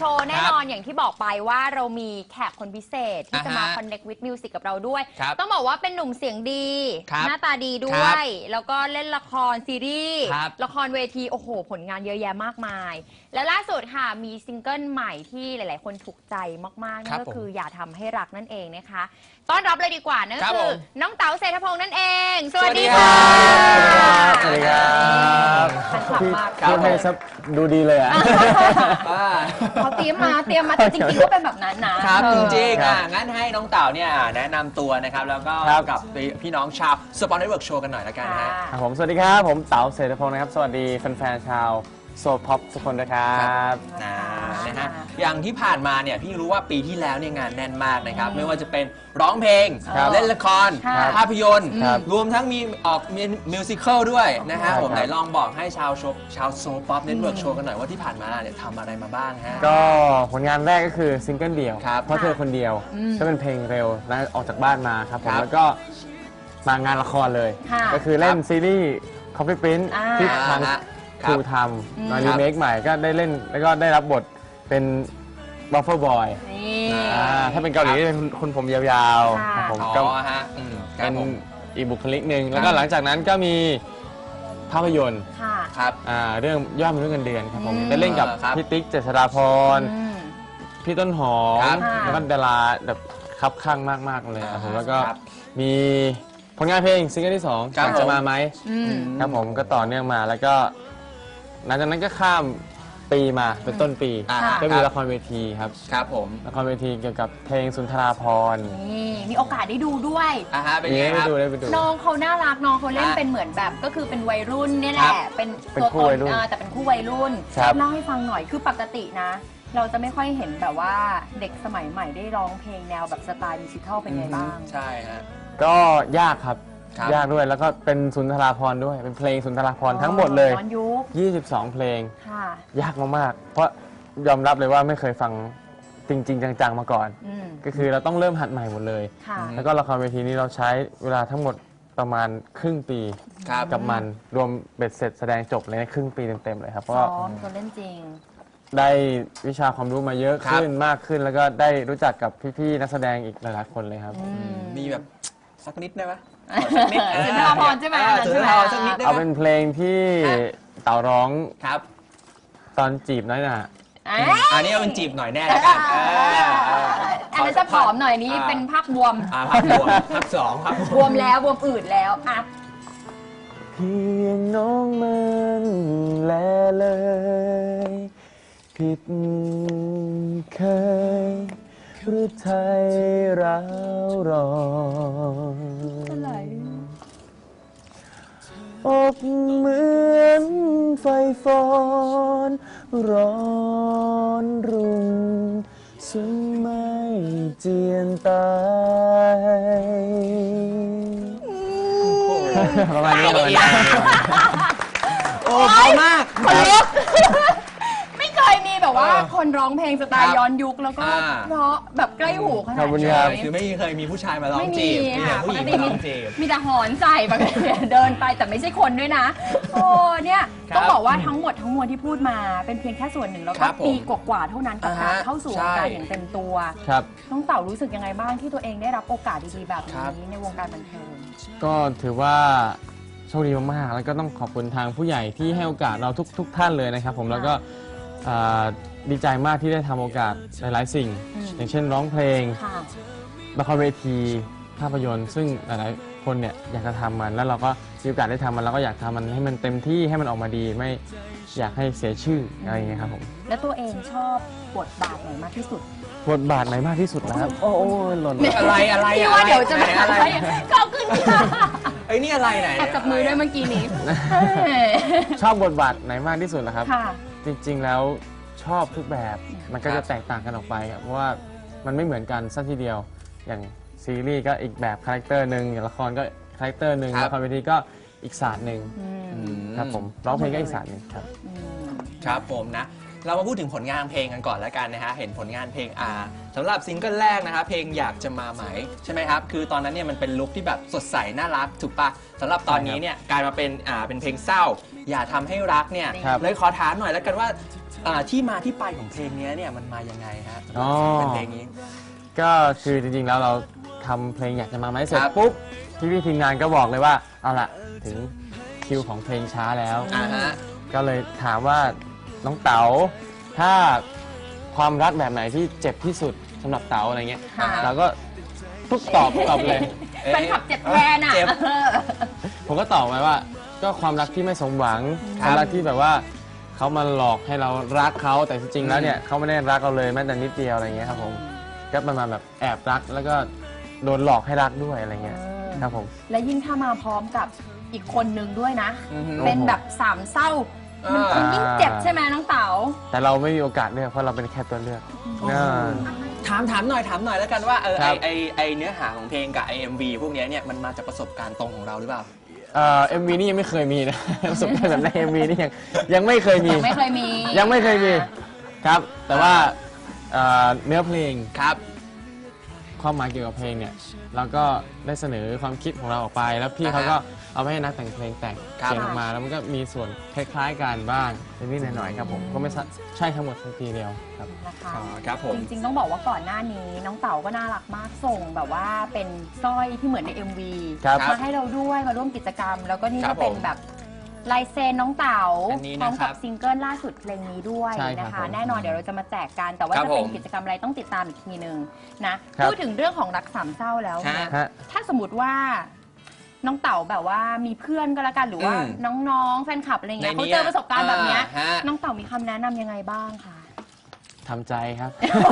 ว์แน่นอนอย่างที่บอกไปว่าเรามีแขกคนพิเศษที่จะมา Connect with Music กับเราด้วยต้องบอกว่าเป็นหนุ่มเสียงดีหน้าตาดีด้วยแล้วก็เล่นละครซีรีส์ละครเวทีโอ้โหผลงานเยอะแยะมากมายและล่าสุดค่ะมีซิงเกิลใหม่ที่หลายๆคนถูกใจมากๆนั่นก็คืออย่าทำให้รักนั่นเองนะคะต้อนรับเลยดีกว่านั่นก็คือน้องเต๋าเศรษฐพงษ์นั่นเองสวัสดีค่ะสวัสดีครับพี่ให้ซับดูดีเลยอ่ะเขาเตรียมมาแต่จริงๆก็เป็นแบบนั้นนะครับจริงๆงั้นให้น้องเต๋าเนี่ยแนะนำตัวนะครับแล้วก็กับพี่น้องชาวสปอนเซอร์เวิร์กโชว์กันหน่อยละกันนะผมสวัสดีครับผมเต๋าเศรษฐพงษ์นะครับสวัสดีแฟนๆชาวโซพ็อปทุกคนนะครับนะฮะอย่างที่ผ่านมาเนี่ยพี่รู้ว่าปีที่แล้วเนี่ยงานแน่นมากนะครับไม่ว่าจะเป็นร้องเพลงเล่นละครภาพยนตร์รวมทั้งมีออกมิวสิควลด้วยนะฮะผมไหนลองบอกให้ชาวโซพ็อปเน็ตเวิร์กโชว์กันหน่อยว่าที่ผ่านมาเนี่ยทำอะไรมาบ้างฮะก็ผลงานแรกก็คือซิงเกิลเดี่ยวเพราะเธอคนเดียวก็เป็นเพลงเร็วแล้วออกจากบ้านมาครับผมแล้วก็มางานละครเลยก็คือเล่นซีรีส์ Coffee Prince ที่ทางครูทำมารีเมคใหม่ก็ได้เล่นแล้วก็ได้รับบทเป็นบัฟเฟอร์บอยถ้าเป็นเกาหลีเป็นคนผมยาวๆผมก็เป็นอีกบุคลิกหนึ่งแล้วก็หลังจากนั้นก็มีภาพยนตร์เรื่องยอดมนุษย์เงินเดือนครับผมได้เล่นกับพี่ติ๊กเจษฎาพรพี่ต้นหอมแล้วก็ดาราแบบคับข้างมากๆเลยครับผมแล้วก็มีผลงานเพลงซิงเกิลที่2จะมาไหมครับผมก็ต่อเนื่องมาแล้วก็หลังจากนั้นก็ข้ามปีมาเป็นต้นปีก็มีละครเวทีครับผมละครเวทีเกี่ยวกับเพลงสุนทราภรณ์มีโอกาสได้ดูด้วยเป็นไงครับน้องเขาน่ารักน้องเขาเล่นเป็นเหมือนแบบก็คือเป็นวัยรุ่นเนี่ยแหละเป็นตัวตนแต่เป็นคู่วัยรุ่นเล่าให้ฟังหน่อยคือปกตินะเราจะไม่ค่อยเห็นแบบว่าเด็กสมัยใหม่ได้ร้องเพลงแนวแบบสไตล์มิวสิคัลเป็นไงบ้างใช่ฮะก็ยากครับยากด้วยแล้วก็เป็นสุนทราภรณ์ด้วยเป็นเพลงสุนทราภรณ์ทั้งหมดเลย22เพลงยากมากๆเพราะยอมรับเลยว่าไม่เคยฟังจริงๆจังๆมาก่อนก็คือเราต้องเริ่มหัดใหม่หมดเลยแล้วก็ละครเวทีนี้เราใช้เวลาทั้งหมดประมาณครึ่งปีกับมันรวมเบ็ดเสร็จแสดงจบเลยครึ่งปีเต็มๆเลยครับเพราะตัวเล่นจริงได้วิชาความรู้มาเยอะขึ้นมากขึ้นแล้วก็ได้รู้จักกับพี่ๆนักแสดงอีกหลายๆคนเลยครับมีแบบสักนิดได้ไหมสุนทรภรณ์ใช่ไหมเอาเป็นเพลงที่เต่าร้องครับตอนจีบน้อยน่ะอันนี้เป็นจีบหน่อยแน่แล้วกันอันนั้นจะผอมหน่อยนี้เป็นภาคบวมภาค2ครับบวมแล้วบวมอืดแล้วอ่ะเพียงน้องมันแลเลยผิดเคยหรือไทยร้าวรอนอกเหมือนไฟฟอนร้อนรุ่งซึ่งไม่เจียนตายประมาณนี้โอ้เพราะมากคนลุกไม่เคยมีแบบว่าคนร้องเพลงสไตล์ย้อนยุคแล้วก็เพราะแบบใกล้หูขนาดนี้คือไม่เคยมีผู้ชายมาร้องจีบมีแต่ผู้หญิงมาร้องจีบมีแต่หอนใส่บางทีเดินไปแต่ไม่ใช่คนด้วยนะโอ้เนี่ยต้องบอกว่าทั้งหมดทั้งมวลที่พูดมาเป็นเพียงแค่ส่วนหนึ่งแล้วก็ปีกว่าๆเท่านั้นกับการเข้าสู่วงการอย่างเต็มตัวน้องเต๋ารู้สึกยังไงบ้างที่ตัวเองได้รับโอกาสดีๆแบบนี้ในวงการบันเทิงก็ถือว่าโชคดีมากๆแล้วก็ต้องขอบคุณทางผู้ใหญ่ที่ให้โอกาสเราทุกท่านเลยนะครับผมแล้วก็ดีใจมากที่ได้ทำโอกาสหลายๆสิ่งอย่างเช่นร้องเพลงละครเวทีภาพยนตร์ซึ่งหลายๆคนเนี่ยอยากจะทำมันแล้วเราก็มีโอกาสได้ทำมันแล้วก็อยากทำมันให้มันเต็มที่ให้มันออกมาดีไม่อยากให้เสียชื่ออะไรอย่างเงี้ยครับผมแล้วตัวเองชอบบทบาทไหนมากที่สุดบทบาทไหนมากที่สุดนะครับโอ้หล่นอะไรที่ว่าเดี๋ยวจะอะไรก็ขึ้นไอ้นี่อะไรไหนจับมือด้วยเมื่อกี้นี้ชอบบทบาทไหนมากที่สุดนะครับจริงๆแล้วชอบทุกแบบมันก็จะแตกต่างกันออกไปครับเพราะว่ามันไม่เหมือนกันสักทีเดียวอย่างซีรีส์ก็อีกแบบคาแรคเตอร์หนึ่งอย่างละครก็คาแรคเตอร์หนึ่งละครเวทีก็อีกศาสตร์หนึ่งครับผมร้องเพลงก็อีกศาสตร์หนึ่งครับครับผมนะเรามาพูดถึงผลงานเพลงกันก่อนแล้วกันนะฮะเห็นผลงานเพลงสำหรับซิงเกิลแรกนะครับเพลงอยากจะมาไหมใช่ไหมครับคือตอนนั้นเนี่ยมันเป็นลุคที่แบบสดใสน่ารักถูกปะสำหรับตอนนี้เนี่ยกลายมาเป็นเพลงเศร้าอย่าทำให้รักเนี่ยเลยขอถามหน่อยแล้วกันว่าที่มาที่ไปของเพลงนี้เนี่ยมันมายังไงฮะเป็นเพลงนี้ก็คือจริงๆแล้วเราทำเพลงอยากจะมาไหมเสร็จปุ๊บพี่ทีมงานก็บอกเลยว่าเอาล่ะถึงคิวของเพลงช้าแล้วก็เลยถามว่าน้องเต๋าถ้าความรักแบบไหนที่เจ็บที่สุดสำหรับเต๋าอะไรเงี้ยเราก็ทุกตอบเลยเป็นขับเจ็บแทนอ่ะผมก็ตอบไปว่าก็ความรักที่ไม่สมหวังความรักที่แบบว่าเขามาหลอกให้เรารักเขาแต่จริงๆแล้วเนี่ยเขาไม่ได้รักเราเลยแม้แต่นิดเดียวอะไรเงี้ยครับผมก็ประมาณแบบแอบรักแล้วก็โดนหลอกให้รักด้วยอะไรเงี้ยครับผมและยิ่งถ้ามาพร้อมกับอีกคนนึงด้วยนะเป็นแบบสามเศร้ามันยิ่งเจ็บใช่ไหมน้องเต๋าแต่เราไม่มีโอกาสเลือกเพราะเราเป็นแค่ตัวเลือกถามหน่อยแล้วกันว่าไอเนื้อหาของเพลงกับMV พวกนี้เนี่ยมันมาจากประสบการณ์ตรงของเราหรือเปล่า MV นี่ยังไม่เคยมีนะประสบการณ์แบบใน MV นี่ยังไม่เคยมียังไม่เคยมีครับแต่ว่าเนื้อเพลงครับความหมายเกี่ยวกับเพลงเนี่ยเราก็ได้เสนอความคิดของเราออกไปแล้วพี่เขาก็เอาไปให้นักแต่งเพลงแต่งเขียนออกมาแล้วมันก็มีส่วนคล้ายๆกันบ้างนิดๆหน่อยๆครับผมก็ไม่ใช่ทั้งหมดทั้งทีเดียวครับครับผมจริงๆต้องบอกว่าก่อนหน้านี้น้องเต๋าก็น่ารักมากส่งแบบว่าเป็นสร้อยที่เหมือนใน MV มาให้เราด้วยมาร่วมกิจกรรมแล้วก็นี่ก็เป็นแบบลายเซ็นน้องเต๋าพร้อมกับซิงเกิลล่าสุดเพลงนี้ด้วยนะคะแน่นอนเดี๋ยวเราจะมาแจกกันแต่ว่าจะเป็นกิจกรรมอะไรต้องติดตามอีกทีนึงนะพูดถึงเรื่องของรักสามเศร้าแล้วถ้าสมมติว่าน้องเต๋าแบบว่ามีเพื่อนก็แล้วกันหรือว่าน้องๆแฟนคลับอะไรเงี้ยเขาเจอประสบการณ์แบบนี้น้องเต๋ามีคำแนะนำยังไงบ้างคะทำใจครับ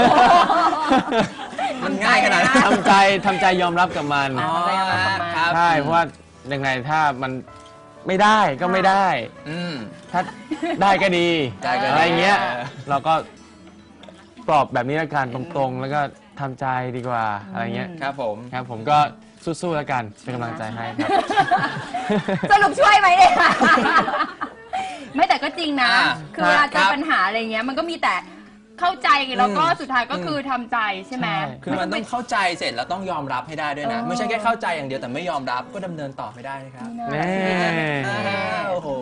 มันง่ายขนาดนั้นทำใจยอมรับกับมันใช่เพราะว่ายังไงถ้ามันไม่ได้ก็ไม่ได้ถ้าได้ก็ดีอะไรเงี้ยเราก็ปลอบแบบนี้ละกันตรงๆแล้วก็ทำใจดีกว่าอะไรเงี้ยครับผมก็สู้ๆแล้วกันเป็นกำลังใจให้ครับสรุปช่วยไหมเนี่ยไม่แต่ก็จริงนะคือเวลาเจอปัญหาอะไรเงี้ยมันก็มีแต่เข้าใจแล้วก็สุดท้ายก็คือทำใจใช่ไหมคือมันต้องเข้าใจเสร็จแล้วต้องยอมรับให้ได้ด้วยนะไม่ใช่แค่เข้าใจอย่างเดียวแต่ไม่ยอมรับก็ดำเนินต่อไม่ได้นะครับโอ้โห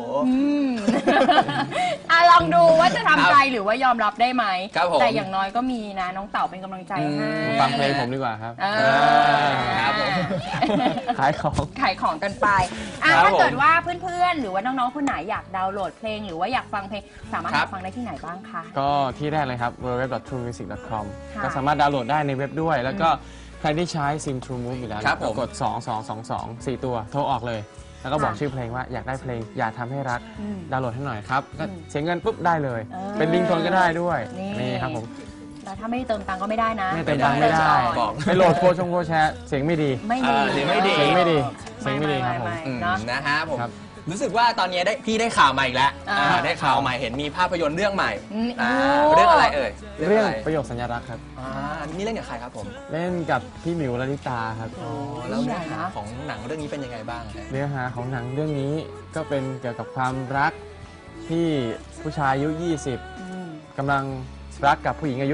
ลองดูว่าจะทำใจหรือว่ายอมรับได้ไหมแต่อย่างน้อยก็มีนะน้องเต๋าเป็นกำลังใจให้ฟังเพลงผมดีกว่าครับครับผมขายของกันไปถ้าเกิดว่าเพื่อนๆหรือว่าน้องๆคนไหนอยากดาวน์โหลดเพลงหรือว่าอยากฟังเพลงสามารถฟังได้ที่ไหนบ้างคะก็ที่แรกเลยครับ www.truemusic.com ก็สามารถดาวน์โหลดได้ในเว็บด้วยแล้วก็ใครที่ใช้ซิม True Move อยู่แล้วก็กด2222 4ตัวโทรออกเลยแล้วก็บอกชื่อเพลงว่าอยากได้เพลงอย่าทำให้รักดาวน์โหลดให้หน่อยครับก็เสียเงินปุ๊บได้เลยเป็นลิงก์โทนก็ได้ด้วยนี่ครับผมแล้วถ้าไม่เติมตังก็ไม่ได้นะไม่เติมตังไม่ได้ไปโหลดโพชงโพแชร์เสียงไม่ดีเสียงไม่ดีครับผมนะฮะผมรู้สึกว่าตอนนี้พี่ได้ข่าวใหม่อีกแล้วได้ข่าวใหม่เห็นมีภาพยนตร์เรื่องใหม่เรื่องอะไรเอ่ยเรื่องประโยคสัญลักษณ์ครับนี่เล่นกับใครครับผมเล่นกับพี่หมิวลลิตาครับแล้วเนื้อหาของหนังเรื่องนี้เป็นยังไงบ้างเนื้อหาของหนังเรื่องนี้ก็เป็นเกี่ยวกับความรักที่ผู้ชายอายุ20กำลังรักกับผู้หญิงอายุ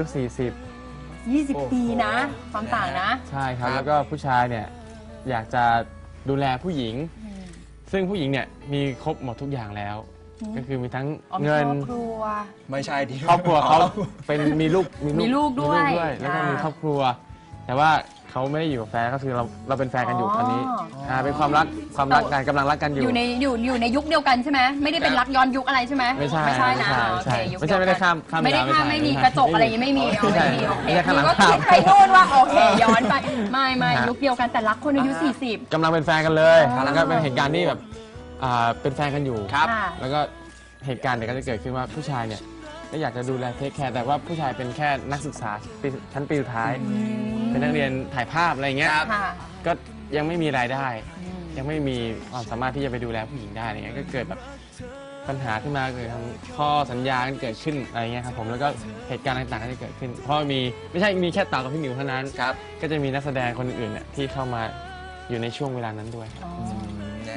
20ปีนะความต่างนะใช่ครับแล้วก็ผู้ชายเนี่ยอยากจะดูแลผู้หญิงซึ่งผู้หญิงเนี่ยมีครบหมดทุกอย่างแล้วก็คือมีทั้งเงินไม่ใช่ที่ครอบครัวเขาเป็นมีลูกด้วยแล้วก็มีครอบครัวแต่ว่าเขาไม่ได้อยู่กับแฟนก็คือเราเป็นแฟนกันอยู่ตอนนี้เป็นความรักกันกำลังรักกันอยู่ในยุคเดียวกันใช่ไหมไม่ได้เป็นรักย้อนยุคอะไรใช่ไหมไม่ใช่นะไม่ได้ข้ามไม่มีกระจกอะไรยังไม่มีไม่ใช่ข้างหลังก็คิดไปนู่นว่าโอเคย้อนไปไม่ยุคเดียวกันแต่รักคนอายุ40 กำลังเป็นแฟนกันเลยแล้วก็เป็นเหตุการณ์ที่แบบเป็นแฟนกันอยู่แล้วก็เหตุการณ์เนี่ยก็จะเกิดขึ้นว่าผู้ชายเนี่ยก็อยากจะดูแลเทคแคร์แต่ว่าผู้ชายเป็นแค่นักศึกษาชั้นปีสุดท้ายเป็นนักเรียนถ่ายภาพอะไรเงี้ยก็ยังไม่มีรายได้ยังไม่มีความสามารถที่จะไปดูแลผู้หญิงได้อะไรเงี้ยก็เกิดแบบปัญหาขึ้นมาเกิดทั้งข้อสัญญากันเกิดขึ้นอะไรเงี้ยครับผมแล้วก็เหตุการณ์ต่างๆก็จะเกิดขึ้นเพราะไม่ใช่มีแค่เต๋ากับพี่หมิวเท่านั้นก็จะมีนักแสดงคนอื่นๆเนี่ยที่เข้ามาอยู่ในช่วงเวลานั้นด้วยน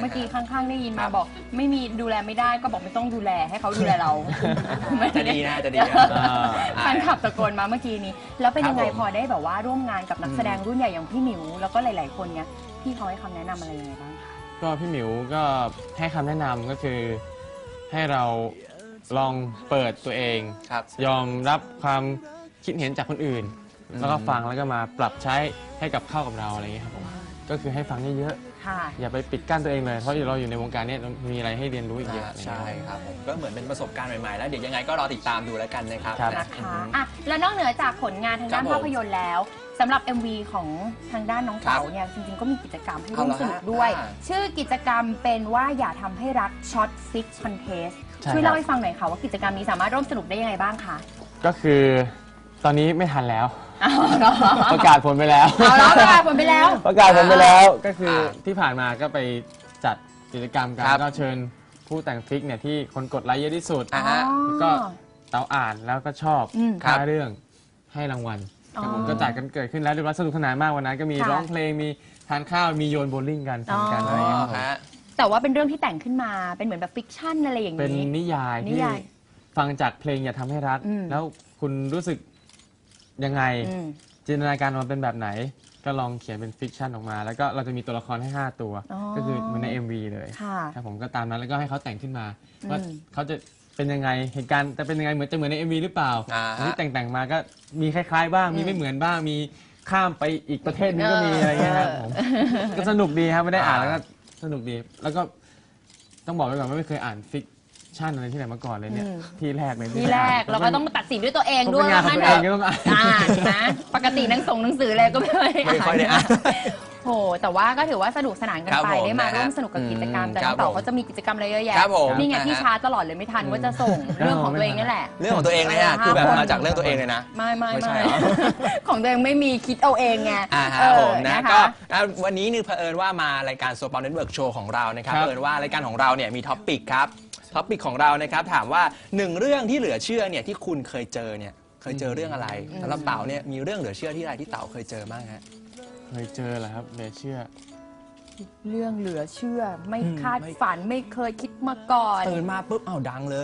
เมื่อกี้ข้างๆได้ยินมาบอก ไม่มีดูแลไม่ได้ก็บอกไม่ต้องดูแลให้เขาดูแลเราจะดีนะจะดีนะแฟนคลับตะโกนมาเมื่อกี้นี้แล้วเป็นยังไงพอได้แบบว่าร่วมงานกับนักแสดงรุ่นใหญ่อย่างพี่หมิวแล้วก็หลายๆคนเนี่ยพี่เขาให้คำแนะนำอะไรยังไงบ้างคะก็พี่หมิวก็ให้คำแนะนำก็คือให้เราลองเปิดตัวเอง ยอมรับความคิดเห็นจากคนอื่น แล้วก็ฟังแล้วก็มาปรับใช้ให้กับเข้ากับเราอะไรอย่างเงี้ยครับผมก็คือให้ฟังเยอะๆอย่าไปปิดกั้นตัวเองเลยเพราะเราอยู่ในวงการนี้มีอะไรให้เรียนรู้อีกเยอะใช่ครับผมก็เหมือนเป็นประสบการณ์ใหม่ๆแล้วเดี๋ยวยังไงก็รอติดตามดูแล้วกันนะครับนะคะอ่ะแล้วนอกเหนือจากผลงานทางด้านภาพยนตร์แล้วสำหรับ MV ของทางด้านน้องเต๋าเนี่ยจริงๆก็มีกิจกรรมให้ร่วมสนุกด้วย ชื่อกิจกรรมเป็นว่าอย่าทำให้รักช็อตฟิกคอนเทสช่วยเล่าให้ฟังหน่อยค่ะว่ากิจกรรมนี้สามารถร่วมสนุกได้ยังไงบ้างคะก็คือตอนนี้ไม่ทันแล้วประกาศผลไปแล้วประกาศผลไปแล้วก็คือที่ผ่านมาก็ไปจัดกิจกรรมกันก็เชิญผู้แต่งฟิกเนี่ยที่คนกดไลค์เยอะที่สุดก็เต๋าอ่านแล้วก็ชอบค่าเรื่องให้รางวัลก็จัดกันเกิดขึ้นแล้วเรียบร้อยสนุกสนานมากวันนั้นก็มีร้องเพลงมีทานข้าวมีโยนโบว์ลิ่งกันทำกันอะไรอย่างเงี้ยแต่ว่าเป็นเรื่องที่แต่งขึ้นมาเป็นเหมือนแบบฟิกชั่นอะไรอย่างนี้เป็นนิยายที่ฟังจากเพลงอย่าทำให้รักแล้วคุณรู้สึกยังไงจินตนาการมันเป็นแบบไหนก็ลองเขียนเป็นฟิกชันออกมาแล้วก็เราจะมีตัวละครให้5ตัวก็คือเหมือนใน MV เลยครับผมก็ตามนั้นแล้วก็ให้เขาแต่งขึ้นมาว่าเขาจะเป็นยังไงเหตุการณ์จะเป็นยังไงเหมือนใน MV หรือเปล่าที่แต่งมาก็มีคล้ายๆบ้างมีไม่เหมือนบ้างมีข้ามไปอีกประเทศนึงก็มีอะไรเงี้ยครับผมก็สนุกดีครับไม่ได้อ่านแล้วก็สนุกดีแล้วก็ต้องบอกไว้ก่อนว่าไม่เคยอ่านฟิกชั่นอะไรที่ไหนมาก่อนเลยเนี่ยที่แรกเลยที่แรกเราก็ต้องตัดสินด้วยตัวเองด้วยงานของตัวเองก็ต้องอ่านนะปกติหนังสืออะไรก็ไม่ค่อยได้อ่านโหแต่ว่าก็ถือว่าสนุกสนานกันไปได้มาร่วมสนุกกับกิจกรรมแต่น้องเต๋าเขาจะมีกิจกรรมอะไรเยอะแยะนี่ไงพี่ช้าตลอดเลยไม่ทันว่าจะส่งเรื่องของตัวเองนี่แหละเรื่องของตัวเองเลยอ่ะคือแบบมาจากเรื่องตัวเองเลยนะไม่ใช่ของตัวเองไม่มีคิดเอาเองไงผมนะก็วันนี้นี่เผอิญว่ามารายการโซปอลเน็ตเวิร์กโชว์ของเรานะครับเผอิญว่ารายการของเราเนี่ยมีท็อปปิกครับท็อปปิกของเรานะครับถามว่า1เรื่องที่เหลือเชื่อเนี่ยที่คุณเคยเจอเนี่ยเคยเจอเรื่องอะไรสำหรับเต๋าเนี่ยมีเรื่องเหลือเชื่อที่อะไรที่เต๋าเคยเจอบ้างฮะเคยเจอเหรอครับเหลือเชื่อเรื่องเหลือเชื่อไม่คาดฝันไม่เคยคิดมาก่อนตื่นมาปุ๊บอ้าวดังเลย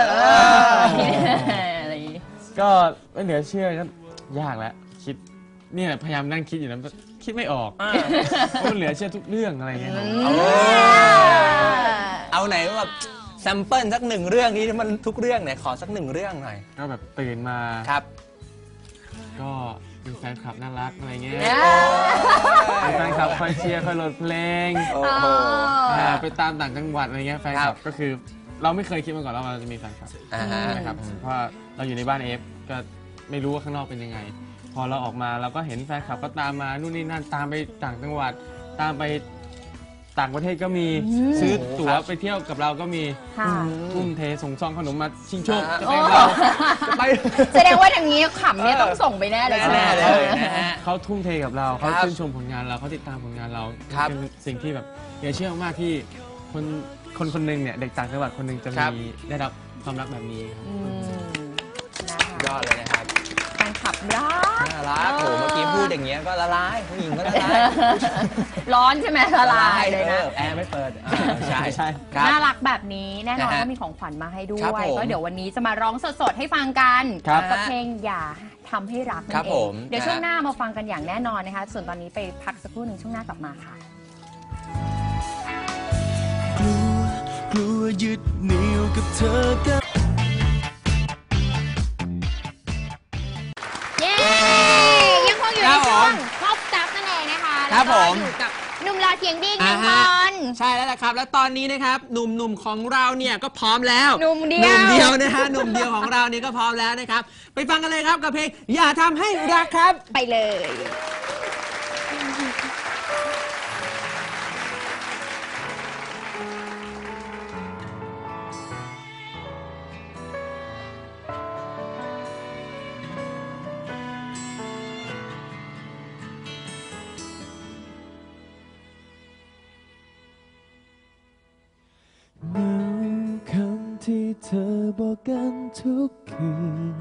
อะไรก็ไม่เหลือเชื่อก็ยากแล้วคิดเนี่ยพยายามนั่งคิดอยู่นะคิดไม่ออกเพราะมันเหลือเชื่อทุกเรื่องอะไรเงี้ยเอาไหนแบบแซมเปิลสัก1เรื่องนี้มันทุกเรื่องเนี่ยขอสัก1เรื่องหน่อยก็แบบตื่นมาครับก็มีแฟนคลับน่ารักอะไรเงี้ยมีแฟนคลับคอยเชียร์คอยโหลดเพลงไปตามต่างจังหวัดอะไรเงี้ยแฟนคลับก็คือเราไม่เคยคิดมาก่อนว่าเราจะมีแฟนคลับนะครับเพราะเราอยู่ในบ้านเอฟก็ไม่รู้ว่าข้างนอกเป็นยังไงพอเราออกมาเราก็เห็นแฟนคลับก็ตามมานู่นนี่นั่นตามไปต่างจังหวัดตามไปต่างประเทศก็มีซื้อตั๋วไปเที่ยวกับเราก็มีทุ่มเทส่งซองขนมมาชิงโชคจะไปเราแสดงว่าอย่างนี้ขำเนี่ยต้องส่งไปแน่เลยใช่ไหมเขาทุ่มเทกับเราเขาชื่นชมผลงานเราเขาติดตามผลงานเราเป็นสิ่งที่แบบอย่าเชื่อมากที่คนหนึ่งเนี่ยเด็กต่างจังหวัดคนหนึ่งจะมีได้รับความรักแบบนี้ยอดเลยนะครับแฟนคลับรักโหเมื่อกี้พูดอย่างเงี้ยก็ละลายผู้หญิงก็ละลายร้อนใช่ไหมละลายเลยนะแอร์ไม่เปิดใช่น่ารักแบบนี้แน่นอนว่ามีของขวัญมาให้ด้วยก็เดี๋ยววันนี้จะมาร้องสดๆให้ฟังกันกับเพลงอย่าทำให้รักนั่นเองเดี๋ยวช่วงหน้ามาฟังกันอย่างแน่นอนนะคะส่วนตอนนี้ไปพักสักครู่หนึ่งช่วงหน้ากลับมาค่ะกลัวยึดเหนี่ยวกับเธอกันครอบจับนั่นเองนะคะครับผมอยู่กับหนุ่มหล่อเสียงดีหนึ่งคนใช่แล้วแหละครับแล้วตอนนี้นะครับหนุ่มของเราเนี่ยก็พร้อมแล้วหนุ่มเดียวนะฮะหนุ่มเดียวของเรานี่ก็พร้อมแล้วนะครับไปฟังกันเลยครับกับเพลงอย่าทำให้รักครับไปเลยที่เธอบอกกันทุกคืน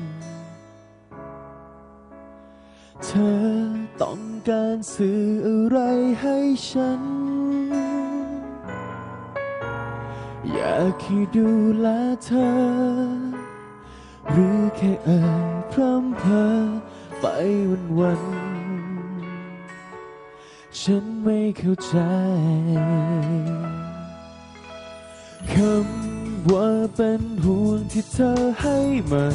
เธอต้องการสื่ออะไรให้ฉันากให้ดูแลเธอหรือแค่เอ่ยพร่ำเพ้อไปวันๆฉันไม่เข้าใจคำว่าเป็นห่วงที่เธอให้มา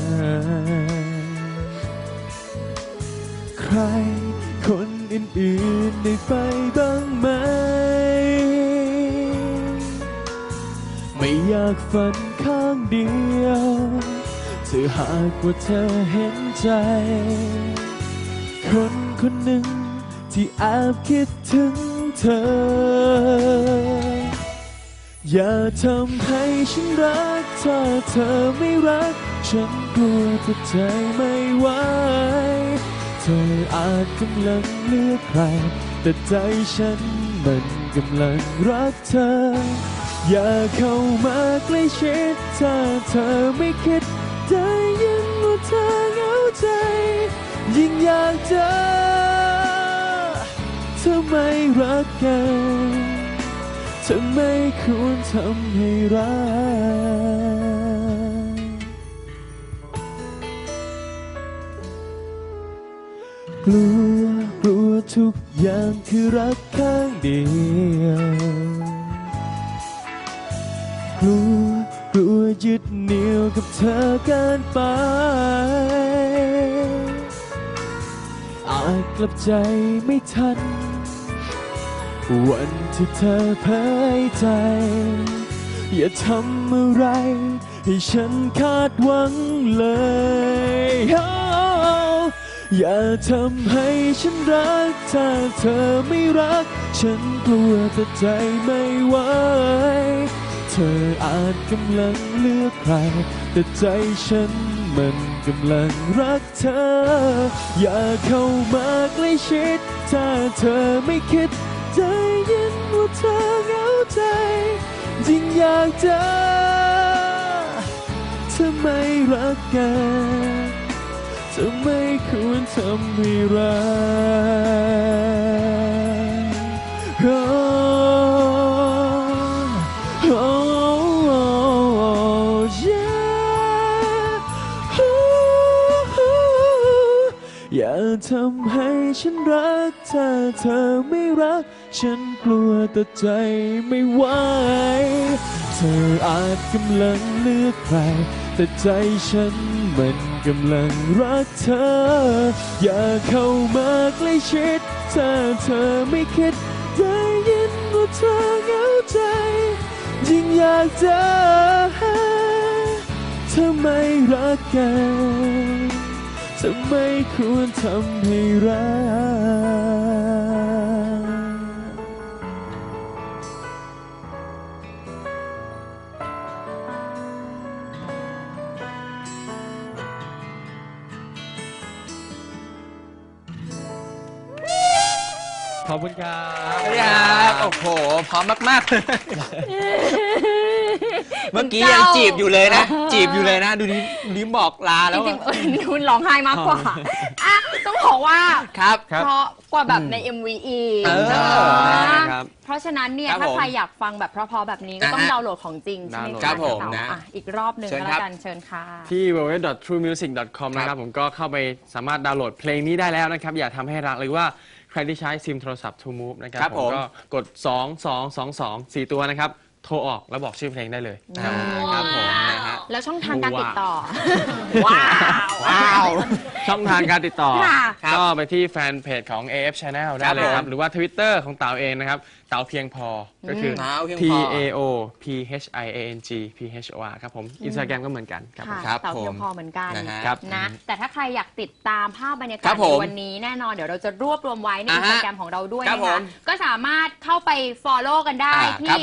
ใครคนอื่นๆได้ไปบ้างไหมไม่อยากฝันข้างเดียวถ้าหากว่าเธอเห็นใจคนคนหนึ่งที่แอบคิดถึงเธออย่าทำให้ฉันรักถ้าเธอไม่รักฉันกลัวจะใจไม่ไหวเธออาจกำลังเลือกใครแต่ใจฉันมันกำลังรักเธออย่าเข้ามาใกล้ชิดถ้าเธอไม่คิดได้ยินว่าเธอเหงาใจยิ่งอยากเจอเธอไม่รักกันเธอไม่ควรทำให้รักกลัวทุกอย่างคือรักข้างเดียวกลัวยึดเหนี่ยวกับเธอเกินไปอาจกลับใจไม่ทันวันที่เธอเผยใจอย่าทำอะไรให้ฉันคาดหวังเลยอย่าทำให้ฉันรักถ้าเธอไม่รักฉันกลัวแต่ใจไม่ไหวเธออาจกำลังเลือกใครแต่ใจฉันมันกำลังรักเธออย่าเข้ามาใกล้ชิดถ้าเธอไม่คิดได้ยินว่าเธอเหงาใจยิ่งอยากเจอเธอไม่รักกันเธอไม่ควรทำให้รักอย่าทำให้ฉันรักถ้าเธอไม่รักฉันกลัวแต่ใจไม่ไหวเธออาจกำลังเลือกใครแต่ใจฉันมันกำลังรักเธออย่าเข้ามาใกล้ชิดถ้าเธอไม่คิดได้ยินว่าเธอเหงาใจยิ่งอยากเจอเธอไม่รักกันเธอไม่ควรทำให้รักขอบคุณครับครับโอ้โหพร้อมมากๆเมื่อกี้ยังจีบอยู่เลยนะจีบอยู่เลยนะดูนี้บอกลาแล้วจริงๆคุณร้องไห้มากกว่าอ่ะต้องบอกว่าครับเพราะกว่าแบบใน MV อีกเพราะฉะนั้นเนี่ยถ้าใครอยากฟังแบบเพราะๆแบบนี้ก็ต้องดาวน์โหลดของจริงใช่ไหมครับผมนะอีกรอบหนึ่งก็แล้วกันเชิญค่ะที่ www.truemusic.com นะครับผมก็เข้าไปสามารถดาวน์โหลดเพลงนี้ได้แล้วนะครับอย่าทำให้รักหรือว่าใครที่ใช้ซิมโทรศัพท์ True Move นะครับผมก็กด 2222 4 ตัวนะครับโทรออกแล้วบอกชื่อเพลงได้เลยครับผมนะฮะแล้วช่องทางการติดต่อว้าวช่องทางการติดต่อก็ไปที่แฟนเพจของ AF Channel ได้เลยครับหรือว่า Twitter ของเต๋าเองนะครับเต๋าเพียงพอก็คือ TAOPHIANGPHOR ครับผม Instagram ก็เหมือนกันครับเต๋าเพียงพอเหมือนกันนะแต่ถ้าใครอยากติดตามภาพบรรยากาศในวันนี้แน่นอนเดี๋ยวเราจะรวบรวมไว้ใน Instagram ของเราด้วยนะคะก็สามารถเข้าไป follow กันได้ที่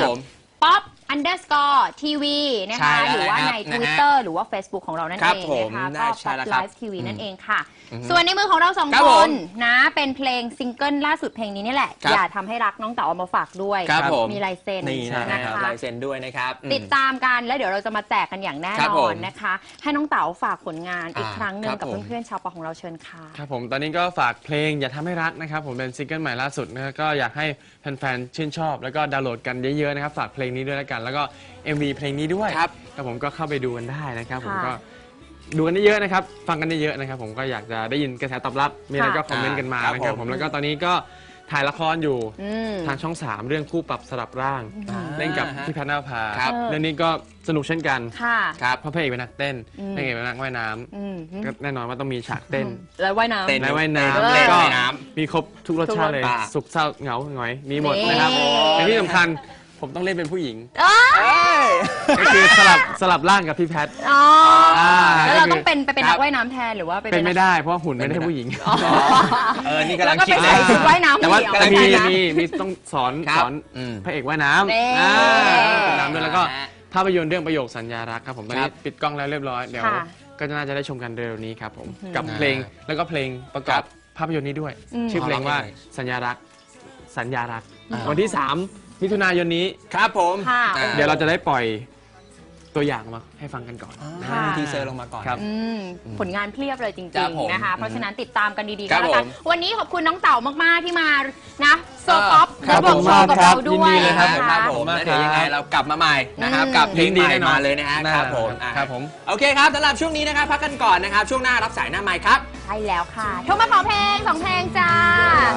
pop_tv นะคะหรือว่าใน Twitter หรือว่า Facebook ของเรานั่นเองนะคะก็ Pop Live TV นั่นเองค่ะส่วนในมือของเราสองคนนะเป็นเพลงซิงเกิลล่าสุดเพลงนี้นี่แหละอย่าทำให้รักน้องเต๋าเอามาฝากด้วยมีลายเซ็นนะคะลายเซ็นด้วยนะครับติดตามกันแล้วเดี๋ยวเราจะมาแจกกันอย่างแน่นอนนะคะให้น้องเต๋าฝากผลงานอีกครั้งหนึ่งกับเพื่อนๆชาวปอของเราเชิญค่ะครับผมตอนนี้ก็ฝากเพลงอย่าทำให้รักนะครับผมเป็นซิงเกิลใหม่ล่าสุดนะก็อยากให้แฟนๆชื่นชอบแล้วก็ดาวน์โหลดกันเยอะๆนะครับฝากเพลงนี้ด้วยละกันแล้วก็ MV เพลงนี้ด้วยครับแต่ผมก็เข้าไปดูกันได้นะครับผมค่ะก็ดูกันได้เยอะนะครับฟังกันได้เยอะนะครับผมก็อยากจะได้ยินกระแสตอบรับมีอะไรก็คอมเมนต์กันมาครับนะครับผผม มแล้วก็ตอนนี้ก็ถ่ายละครอยู่อืมทางช่อง 3 เรื่องคู่ปรับสลับร่างเล่นกับพี่แพทย์นภาครับเรื่องนี้ก็สนุกเช่นกันค่ะครับเพราะพระเอกเป็นนักเต้นอืมนางเอกเป็นนักว่ายน้อืมำก็แน่นอนว่าต้องมีฉากเต้นแล้วว่ายน้ำเต้นและว่ายเต้นน้ำเต้นแล้วก็ว่ายน้ำมีครบทุกรสชาติเลยทุกรสชาติสุขเศร้าเหงาหงอยมีหมดนี่นะครับและที่สำคัญผมต้องเล่นเป็นผู้หญิงอ๋อก็คือสลับร่างกับพี่แพทย์อ๋อก็คือแล้วเราต้องเป็นไปเป็นครันับกว่ายน้ำแทนหรือว่าไปเป็นไม่ได้เพราะว่าหุ่นไม่ได้ผู้หญิงอ๋อนี่กำแล้ลัวงก็คิไปดใส่ชุดว่ายน้ำแต่ว่าเดี่ยวแต่มีใช่ไหมีต้องสอนครับสอนอืมพระเอกว่ายน้นี่ำเป็นน้ำด้วยแล้วก็ภาพยนตร์เรื่องประโยคสัญญารักครับผมตอนครันี้บปิดกล้องแล้วเรียบร้อยเดี๋ยวค่ะก็น่าจะได้ชมกันเร็วๆนี้ครับผมกับเพลงแล้วก็เพลงประกอบภาพยนตร์นี้ด้วย ชื่อเพลงว่าสัญญารักวันที่ 3 มิถุนายนนี้ครับผมค่ะเดี๋ยวเราจะได้ปล่อยตัวอย่างมาให้ฟังกันก่อนค่ะทีเซอร์ลงมาก่อนครับอืมผลงานเพียบเลยจริครังบผมๆนะคะ เพราะฉะนั้นติดตามกันดีๆครัก็บแล้วกันผมวันนี้ขอบคุณน้องเต่ามากๆที่มานะโซป๊อปครัและบบอกโชว์กับผมมากครับเราด้ยินวดียเลยครับนะครัคะบผมแล้วเดี๋ยวยังไงเรากลับมาใหม่นะครับอืมกับเพลงใหม่ยินดีแน่นอนมาเลยนะฮะครับผมครับผมโอเคครับสำหรับช่วงนี้นะครับพักกันก่อนนะครับช่วงหน้ารับสายหน้าไมค์ครับใช่แล้วค่ะโทรมาขอเพลง2 เพลงจ้า